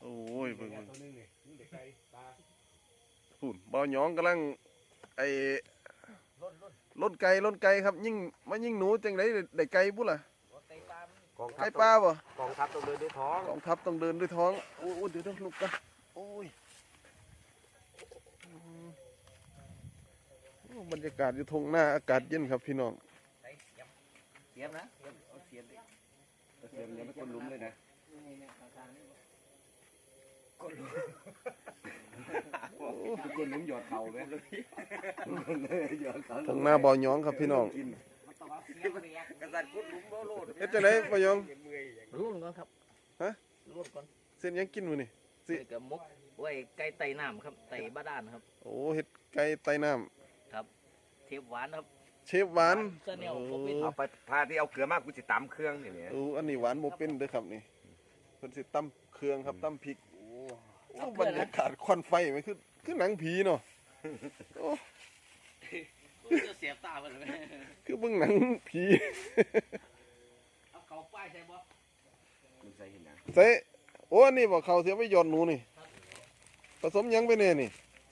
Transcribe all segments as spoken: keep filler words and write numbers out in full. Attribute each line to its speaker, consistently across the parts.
Speaker 1: โอ้ยเบิ่งเบิ่งพูนบ่าวหยองกำลังไอ้ล้นไก่ล้นไก่ครับยิ่งมายิ่งหนูจังไดได้ไก่บุล่ะไก่ปลาบ่
Speaker 2: กองทัพต้องเดินด้วยท้อง
Speaker 1: กองทัพต้องเดินด้วยท้องโอ้เดี๋ยวต้องลุกกันโอ้ยบรรยากาศอยู่ทงหน้าอากาศเย็นครับพี่น้อง
Speaker 2: เสียมนะเอาเสียมดิเสียมยังไม่คนลุ้มเลยนะคนลุ้มคนลุ้มหยอดเข่าไหม
Speaker 1: ทงหน้าบ่าวหยองครับพี่น้องเฮ็ดจังไดบ่าวหยอง
Speaker 3: ร่วมก่อนครับ
Speaker 1: ฮะ
Speaker 3: ร่วมก่อน
Speaker 1: เส้นยังกินมื้อนี่
Speaker 3: สิกับมุกไว้ไก่ไตน้ำครับไตบ้าด้านครับ
Speaker 1: โอ้เฮ็ดไก่ไตน้
Speaker 3: ำครับเทปหวานครับ
Speaker 1: เชฟหวาน
Speaker 2: เอาไปพาที่เอาเกลือมากกูจะตำเครื่องอย่างเนี้ย
Speaker 1: โอ้อันนี้หวานโมเป็นเด้อครับนี่เพิ่นสิตำเครื่องครับตำพริกโอ้บรรยากาศควันไฟมันคือคือหนังผีเนาะโอ้
Speaker 3: จะเสียบตาไปเลย
Speaker 1: คือเบิ่งหนังผี
Speaker 3: เอาเขาป้ายใช่บ่
Speaker 2: ใส่เห็นนะ
Speaker 1: ใส่โอ้อันนี้บ่เขาเสียไปหย่อนหนูนี่ผสมยังไปแน่นี่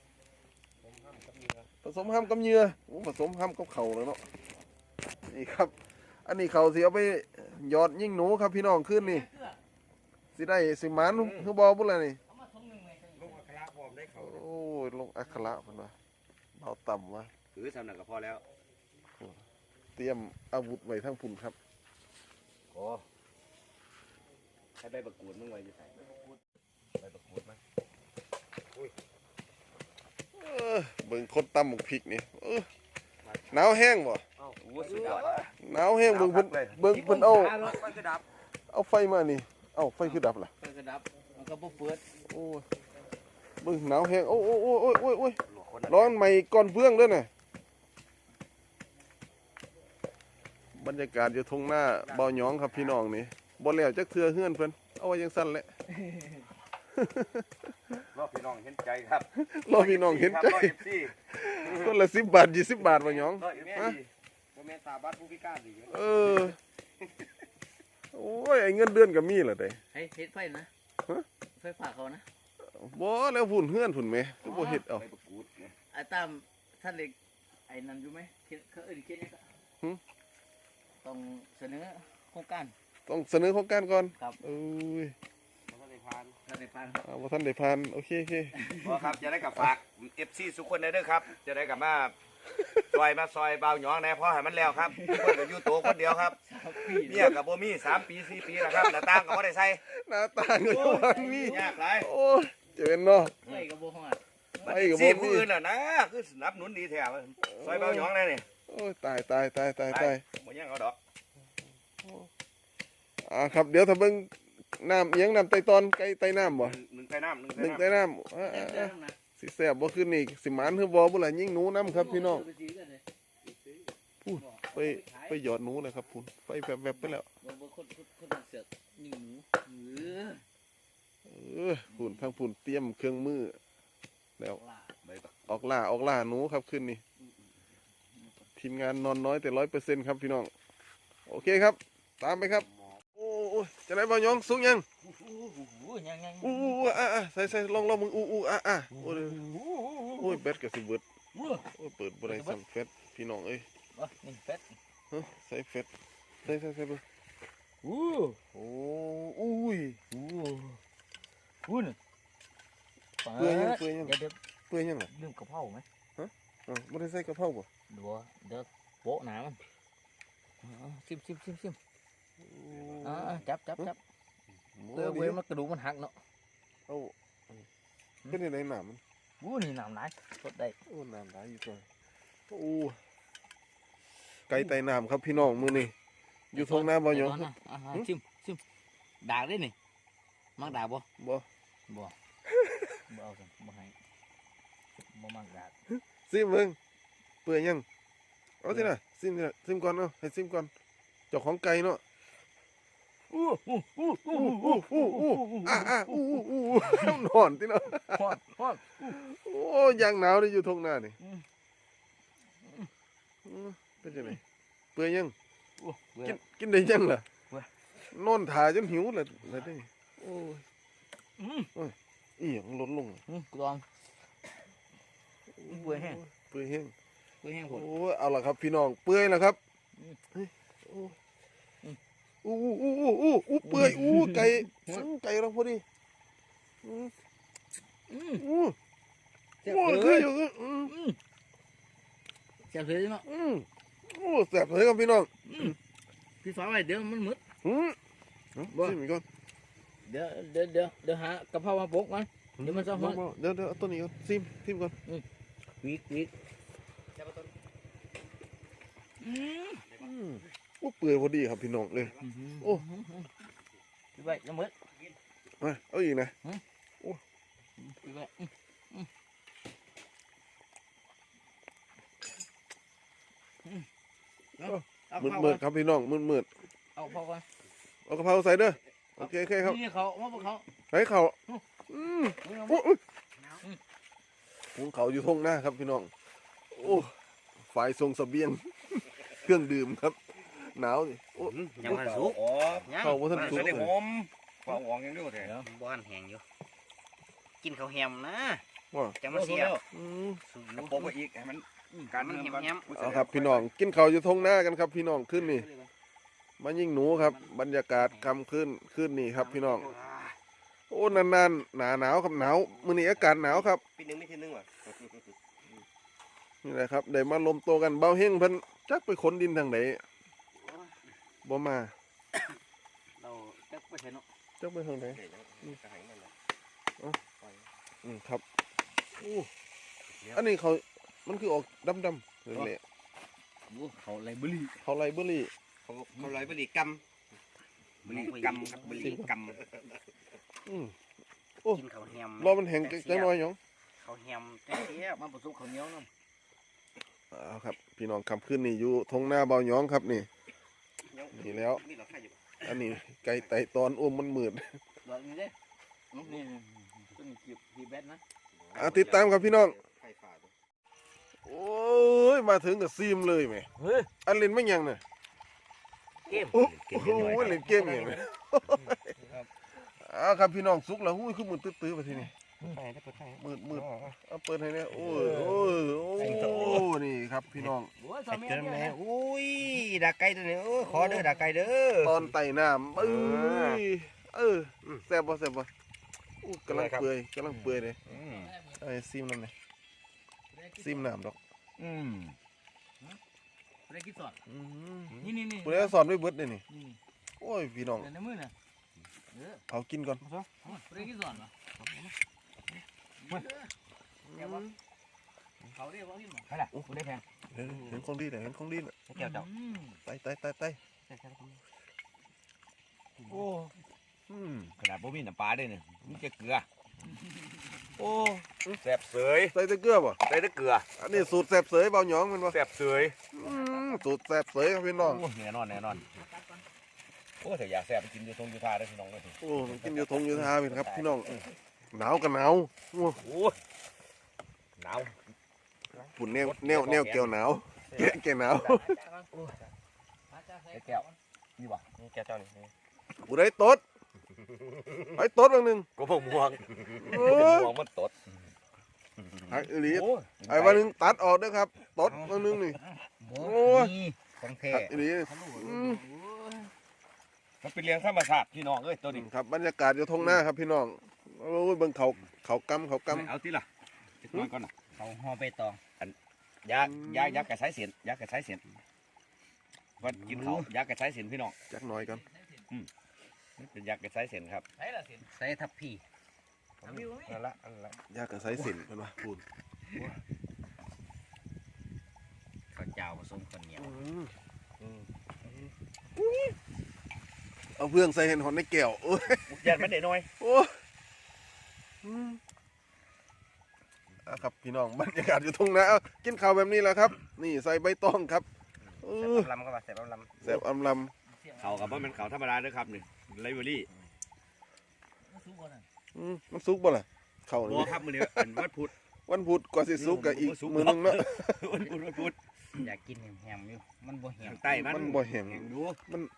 Speaker 1: ผสมห้ามกับเหยื่อโอ้ผสมห้ามกับเข่าเลยเนาะนี่ครับอันนี้เขาเสียไปหยอดยิ่งหนูครับพี่น้องขึ้นนี่สิได้สิหมานคือบอบุ้นอะไรนี่
Speaker 2: ลงอัคระพร้อมได้เขา
Speaker 1: โอ้ยลงอัคระมันวะเบาต่ำวะ
Speaker 2: ถือสำนักก็พอแล้ว
Speaker 1: เตรียมอาวุธไว้ทั้งพุ่นครับ
Speaker 2: โอ้ให้ใบประกูดมึงไว้จะใส่ใบประกูดไหม
Speaker 1: เบิ่งคนตำหมกพริกนี่หนาวแห้งบ่หนาวแห้งเบิ่งเพิ่นเบิ่งเพิ่นเอาเอาไฟมานี่เอ้าไฟคือดับล่ะ
Speaker 3: ไฟคือดับมันก็บ่เปิด
Speaker 1: โอ้เบิ่งหนาวแห้งโอ้โอ้โอ้โอ้โอ้โอ้ร้อนใหม่ก่อนเฟื่องเด้อน่ะบรรยากาศอยู่ทงหน้าบ่าวหยองครับพี่น้องนี่บ่แล้วจักเทื่อเฮือนเพิ่นเอาไว้จังซั่นแหละ
Speaker 2: รอพี่น้องเห็นใจครับ
Speaker 1: รอพี่น้องเห็นใจคนละสิบบาทยี่สิบบาทบ่หยอง
Speaker 2: ฮะบ่แม่นตาบัดผู้พิการดิ
Speaker 1: เออโอ้ยไอ้เงินเดือนก็มีล่ะเด้
Speaker 3: ให้เฮ็ดไฟนะฮะไฟฝากเขานะ
Speaker 1: บ่แล้วฝุ่นเฮือนฝุ่นแม่ก็บ่เฮ็ดเอา
Speaker 3: ไอ้ตามท่านเล็กไอ้นั่นอยู่มั้ยเขาเอิ้นเขียนนี่ก็หึต้องเสนอโครงการ
Speaker 1: ต้องเสนอโครงการก่อน
Speaker 3: ครับ
Speaker 1: เอ้ย
Speaker 3: บ่ทันได้ผ่านท่านได้ผ่าน
Speaker 1: อ่าบ่ทันได้ผ่านโอเคโอเค
Speaker 2: บ่ครับจะได้กับฝาก เอฟ ซี ทุกคนได้เด้อครับจะได้กับมาซอยมาซอยเบาหยองแน่พอให้มันแล้วครับทุกคนก็อยู่ตัวคนเดียวครับเมียกับบ่มีสามปีสี่ปีแล้วครับหน้าต่างก็บ่ได้ใส่
Speaker 1: หน้าต่างก็บ่มี
Speaker 2: ยากหลาย
Speaker 1: โอ้ยเจ๋งเนาะ
Speaker 3: ไฟก็บ่ฮอด
Speaker 1: ไฟก็บ่มี
Speaker 2: ผู้อื่นน่ะนะคือสนับสนุนดีแท้ซอยเบาหยองแน่นี่
Speaker 1: โอ้ยตายตายตายตายตาย
Speaker 2: บ่ยังเอาดอก
Speaker 1: อ่าครับเดี๋ยวถ้าเบิ่งน้ำเอียงน้ำไตตอนไก่ไตน้ำบ่
Speaker 2: หนึ่งไตน้ำห
Speaker 1: นึ่งไตน้ำอ่าสิแซ่บบ่ขึ้นนี่สิหมานคือบ่บ่ล่ะยิ่งหนูน้ำครับพี่น้องพูดไปไปหยอดหนูเลยครับพูดไฟแวบๆไปแล้วเออพูดทางพูดเตรียมเครื่องมือแล้วออกล่าออกล่าหนูครับขึ้นนี่ทีมงานนอนน้อยแต่ร้อยเปอร์เซ็นต์ครับพี่น้องโอเคครับตามไปครับโอ้โอ้จะได้บ่ยองสุกยังอู้อู้อ่ะอ่ะใส่ใส่ลองลองมึงอู้อู้อ่ะอ่ะโอ้ยโอ้ยแบตกับสิเบิร์ดโอ้ยเปิดบริษัทเฟสพี่น้องเอ้ย
Speaker 3: นี่เฟส
Speaker 1: ใส่เฟสใส่ใส่ใส่เบอร์
Speaker 3: อู้
Speaker 1: โอ้อุ้ย
Speaker 3: อู้อู้นี่
Speaker 1: เปื่อยยังเปื่อยยังเปื่อยยังเหรอ
Speaker 3: ลืมกระเพราไหม
Speaker 1: ฮะอ๋อไม่ได้ใส่กระเพราป่ะ
Speaker 3: เดี๋ยวเดี๋ยวโปะหนามันซิมซิมซิมซิมอ่าจับจับจับเตอเว้ยมันกระดูกมันหักเนาะ
Speaker 1: เอาเป็นยังไงหนามมัน
Speaker 3: วู้นี่หนามไหนสดได้
Speaker 1: โอ้หนามไหนอยู่ตัวโอ้ไก่ไตหนามครับพี่น้องมือนี่อยู่ทงหน้าบ่อยอง
Speaker 3: ซิมซิมด่างได้นี่มักด่างบ่
Speaker 1: บ่
Speaker 3: บ่บ่เอาสิบ่ให้บ่มักด่าง
Speaker 1: ซิมมึงเปื่อยยังเอาสินะซิมสินะซิมก่อนเนาะให้ซิมก่อนเจ้าของไก่เนาะอู้อู้อู้อู้อู้อู้อู้อ่ะอ่ะอู้อู้อู้นอนที่เนาะ
Speaker 3: ฮอดฮอด
Speaker 1: โอ้ยางหนาวเลยอยู่ทงหน้านี่เป็นยังไงเปื่อยยังกินกินได้ยังล่ะนอนถ่ายจนหิวเลยเลยได้โอ้ยอีหยังลดลง
Speaker 3: อืมกูลองเปื่อยแห้ง
Speaker 1: เปื่อยแห้ง
Speaker 3: เปื่อยแห้งผ
Speaker 1: โอ้
Speaker 3: ม
Speaker 1: เอาละครับพี่น้องเปื่อยแล้วครับ
Speaker 3: อืม
Speaker 1: เฮ้ยโอ้อู้อู้อู้อู้อู้เปื่อยอู้ไก่สังไก่เราพอดีอืม
Speaker 3: อืม
Speaker 1: อู้
Speaker 3: เจ็บ
Speaker 1: โอ้
Speaker 3: เล
Speaker 1: คือย อยู่อืม
Speaker 3: อืมเจ็บเลยเนาะ
Speaker 1: อืมโอ้แซ่บเลยครับพี่น้อง
Speaker 3: อืมพี่ฟ้าไว้เดี๋ยวมันมืด
Speaker 1: อืม
Speaker 3: บ่
Speaker 1: ชิมอีกก่อน
Speaker 3: เดี๋ยวเดี๋ยวเดี๋ยวเดี๋ยวหากะเพรามาปกมันเดี๋ยวมันจะหอม
Speaker 1: บ่บ่เดี๋ยวเดี๋ยวเอาตัวนี้ก่อนซิมซิมก่อน
Speaker 3: วีกวีก
Speaker 1: อืมโอ้เปื่อยพอดีครับพี่น้องเลย โอ้
Speaker 3: พี่ไว้จะมืด
Speaker 1: มาเอาอีกนะ
Speaker 3: พี่ไว้อืมอืมอืมเอาเอา
Speaker 1: มืด
Speaker 3: เข้า
Speaker 1: มื
Speaker 3: ก่
Speaker 1: ด
Speaker 3: อน
Speaker 1: ครับพี่น้องมืดมืด
Speaker 3: เอาเข้าก่อน
Speaker 1: เอากระเพราใส่เด้อโอเคโอเคครับ
Speaker 3: นี่เขามาพวกเขา
Speaker 1: ใส่เข่าอืม
Speaker 3: เอา
Speaker 1: โอ้อุ๊ยหุงเขาอยู่ทงหน้าครับพี่น้องโอ้ฝ่ายทรงเสบียง เครื่องดื่มครับหนาวนี่โอ้
Speaker 2: ยังมันสุกอ๋อ
Speaker 1: เข้าว่าท่าน
Speaker 2: มัน
Speaker 1: สุก
Speaker 2: จะได้
Speaker 1: เล
Speaker 2: ห
Speaker 1: ย
Speaker 2: อมเฝ้าหองยังอยู่แท้
Speaker 4: บ้านแห้งอยู่ กินข้าวแฮมนะ
Speaker 1: ว่า
Speaker 4: จะมาเสีย
Speaker 1: อืม
Speaker 4: สูง
Speaker 2: กระโปงไปอีกให้มันการ
Speaker 4: มัน
Speaker 2: เมือง
Speaker 4: แฮม
Speaker 2: ก่อน
Speaker 4: แฮม
Speaker 1: เอาครับพี่น้องกินเขาวอยู่ทงหน้ากันครับพี่น้องขึ้นนี่มายิงหนูครับ บรรยากาศคำขึ้นขึ้นนี่ครับพี่น้องโอ้นานๆหนาหนาวครับหนาวมื้อนี้อากาศหนาวครับ
Speaker 2: ปีนึงไม่ทีนึงว่ะ
Speaker 1: นี่แหละครับได้มาลมโตกันเบาเฮงเพิ่นจักไปขนดินทางไหนบ่มา
Speaker 3: เราจะไปใช้เนาะ
Speaker 1: จักไปทางไหนอืมครับโอ้อันนี้เขามันคือออกดำๆเลยแหละ
Speaker 3: โอ้เขาไรบุรี
Speaker 1: เขาไลเบอรี่
Speaker 2: เขาเขาไรบริกรรมบริกรรมครับบริกรรม
Speaker 1: อืม
Speaker 4: กินข้าวแฮม
Speaker 1: รอมันแห้งจังหน่อยหยอง
Speaker 4: ข้าวแฮมจังเสีย
Speaker 3: มาผสมข้าวเหนียวน้ำ
Speaker 1: เอาครับ พี่น้องคำขึ้นนี่อยู่ทงหน้าเบาหยองครับนี่ นี่แล้ว
Speaker 2: นี่เราใครอยู่
Speaker 1: อันนี้ไก่ไต่ตอนอ้วมมันมืด
Speaker 3: ดอกนี้เด้นี่นี่ต้นกีบกีบแบทนะ
Speaker 1: อ่ะติดตามครับพี่น้อง
Speaker 2: ไข่ฝาด
Speaker 1: โอ้ยมาถึงกับซีมเลยแหม
Speaker 3: เฮ้ย
Speaker 1: อันเล่นไม่ยังเนี่ย
Speaker 4: เกม
Speaker 1: โอ้โหเล่นเกมอย่างนี้อ่าครับพี่น้องสุกแล้วหุ้ยคือมือตื้อๆไปทีนี้
Speaker 2: ไข่ได้เปิดไข่
Speaker 1: มืดมืดเอาเปิดให้เนี่ยโอ้ยโอ้ยโอ้ยนี่ครับพี่น้อง
Speaker 3: โอ้ยสามี
Speaker 2: เจอ
Speaker 3: เนี่
Speaker 2: แม่
Speaker 3: ย
Speaker 2: อุ้ยดาไก่ตัวนี้โอ้ขอเด้อดาไก่เด้อ
Speaker 1: ตอนไต่น้ำเอ้ยเออแซ่บบ่แซ่บบ่อู้กำลังเปื่อยกำลังเปื่อยเลยไอ้ซิมน้ำเนี่ยซิมน้ำดอก
Speaker 2: อืม
Speaker 3: ได้กินสอด
Speaker 1: อืม
Speaker 3: นี่นี่นี่
Speaker 1: ผู้ใดสอนไว้เบิดเลยนี่
Speaker 3: นี่
Speaker 1: โอ้ยพี่น้อง
Speaker 3: เดี๋ยวในมือน่ะเออ
Speaker 1: เอากินก่อน
Speaker 3: ได้กินสอดเหรอเขาเรียกว่ากินหรอ
Speaker 2: ใช่ละกูได้แพง
Speaker 1: เห็นเห็นของดีเลยเห็นของดีเลย
Speaker 2: แก้วเจ้า
Speaker 1: ไต่ไต่ไต่ไต่โอ้อืม
Speaker 2: ขนาดบ่มีน้ำปลาด้วยเนี่ยมีแต่เกลือ โอ้แซ่บเสย
Speaker 1: ใส่แต่เกลือบ่
Speaker 2: ใส่แต่เกลือ
Speaker 1: อันนี้สูตรแซ่บเสยเบาหยองแมันบ่
Speaker 2: แซ่บเสย
Speaker 1: อืมสูตรแซ่บเสยครับพี่น้อง
Speaker 2: โอ้แน่นอนแน่นอนโอ้แต่อยากแซ่บไปกินอยู่ตรงอยู่ท่าได้อพี่น้องเลย
Speaker 1: โอ้กินอยู่ทงอยู่ทาเป็นครับพี่น้องหนาวกันหนาวโอ้
Speaker 2: โอ้หนาว
Speaker 1: ฝุ่นแนวแนวแนวเกี่ยวหนาวแกะแกะหนาว
Speaker 2: ไอ้แก้วนี่วะนี่แก้วเจ้านี่
Speaker 1: ผู้ใดตดไปตดบางหนึ่ง
Speaker 2: ก็พวกม่วง
Speaker 1: โอ้ย
Speaker 2: ม่วงมันตด
Speaker 1: ไอ้อีหลี
Speaker 2: โอ้
Speaker 1: ไอ้วันหนึ่งตัดออกเด้อครับตดบางหนึ่งนี่
Speaker 4: โอ้ยของแท้
Speaker 1: ไอ้อีหลีอืม
Speaker 2: มันเป็นเลี้ยงธรรมชาติพี่น้องเอ้ยตัวนี้
Speaker 1: ครับบรรยากาศอยู่ทงหน้าครับพี่น้องโอ้ยเบิ่งเขาเขากำเขากำ
Speaker 2: เอาที่ล่ะจักหน่อยก่อนนะ
Speaker 4: เขาห่อใบตอง
Speaker 2: ยายายากระสายเสียนยากระสายเสียนวันกินเขายากระสายเสียนพี่น้อง
Speaker 1: จักหน่อยกัน
Speaker 2: เป็นยากระสายเสียนครับ
Speaker 3: ใช่ละสิ
Speaker 4: ใส่ทับพี่
Speaker 2: นั่นละนั่นละ
Speaker 1: ยากกับไซสินเป็นวะพูด
Speaker 4: ข้าวเจ้าผสมข้าวเหนียว
Speaker 1: เอาเพื่องใส่เห็นหอนในแก้วโอ้ย
Speaker 2: ยันมันเด็ดน้อย
Speaker 1: โอ้ยอืมอ่ะครับพี่น้องบรรยากาศอยู่ทงหน้าเอากินข้าวแบบนี้แหละครับ นี่ใส่ใบตองครับเอ
Speaker 4: แซ่
Speaker 1: อบ
Speaker 4: ลำก็มาแซ่บลำ
Speaker 1: แสบอำล
Speaker 2: เขากับว่ามันเขาธรรมดาเด้อครับนี่ไลเวอรี่
Speaker 1: ำอืมมันสุกบ่ล่ะข้าว
Speaker 2: บั
Speaker 1: นี่
Speaker 2: วครับมือนี้วันวัดพุธ
Speaker 1: วันพุธกว่าสิสุกกับอีกมือนึงเนาะ
Speaker 2: วันพุธวันพุธ
Speaker 4: อยากกินแฮมๆอยู่มันบ่แฮม
Speaker 2: ทางใต้มัน
Speaker 1: มันบ่แห้ง
Speaker 2: ดู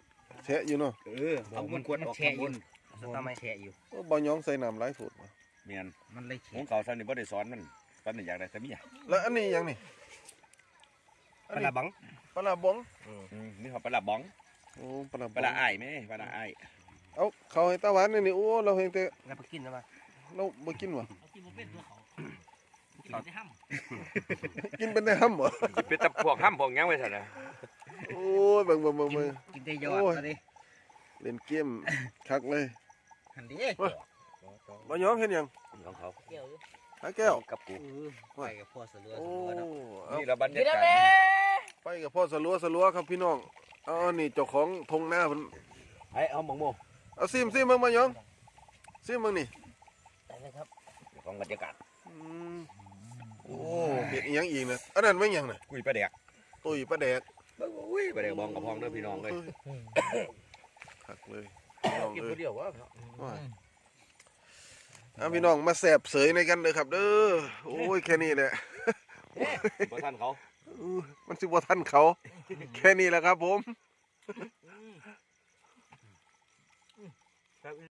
Speaker 1: แฉะอยู่เนาะ
Speaker 2: เออเอามันกวดออกข้างบน
Speaker 4: สตาร์ไม่แช่อยู่
Speaker 1: โอ้บ่ยองใส่น้ำหลายสูตรว่ะ
Speaker 2: แมมียน
Speaker 4: มันเลย
Speaker 2: ข
Speaker 4: เขีย
Speaker 2: องเขาซ้ำนี่บ่ได้สอนมันตอนนี้อยากได้แต่เมีย
Speaker 1: แล้วอันนี้ยังนี่
Speaker 2: ปลาบัง
Speaker 1: ปลาบอง
Speaker 2: อืมนี่เขาปลาบ้อง
Speaker 1: โอ้ปลาบ
Speaker 2: ป
Speaker 1: อง
Speaker 2: ลาอ้ายแม่ปลาอ้าย
Speaker 1: เอาเขาให้ตาหวานนี่นี่โอ้เราเห็นแต่
Speaker 4: แล้วไปกินแล้วมา
Speaker 1: เราบ่กินวะ
Speaker 4: เอากินบ่เป็นตัวเขากินได้ห้ำ
Speaker 1: กินเป็นได้ห้ำเหรอ
Speaker 2: เป็นตะพวกห้ำพวกยังไว้ซั่นน่ะ
Speaker 1: โอ้ยเบิ่งเบิ่งเบิ่งเบิ่ง
Speaker 4: กินได้ยอดมาดิ
Speaker 1: เล่นเกมคักเลย
Speaker 4: หันดิ
Speaker 1: บ่ยองเห็นยัง
Speaker 2: ของเขา
Speaker 4: เกี่ยวอยู่
Speaker 1: หาแก้ว
Speaker 2: กับกู
Speaker 4: เออไปกับพ่อเสือ
Speaker 1: โอ้
Speaker 4: เสือเนาะ
Speaker 1: เอา
Speaker 2: นี่ละบรรยากาศ
Speaker 1: ไปกับพ่อสลัวสลัวครับพี่น้องเอาอันนี่เจ้าของทงหน้าเพิ่น
Speaker 2: ไอ้เอาหมองโม
Speaker 1: เอาซิมซิมเบิ่งมายองซิมเบิ่งนี่
Speaker 4: ได้เลยครับ
Speaker 2: ของบรรยากาศ
Speaker 1: อืมโอ้เฮ็ดอีหยังอีกนะอันนั้นไม่หยังน่ะ
Speaker 2: กุยปลาแดก
Speaker 1: ตุ้ยปลาแดก
Speaker 2: อุ้ยปลาแดกบองกับพองเด้อพี่น้องเลย
Speaker 1: คักเลยพี่น้อง
Speaker 3: กิน
Speaker 1: เอ้
Speaker 3: คน
Speaker 1: ย
Speaker 3: เดียววะ
Speaker 1: เอาพี่น้องมาแสบเสยในกันเด้อครับ เด้อโอ้ยแค่นี้แหละ
Speaker 2: บ่ทันเขา
Speaker 1: อู้มันสิบ่ทันเขา แค่นี้แหละครับผม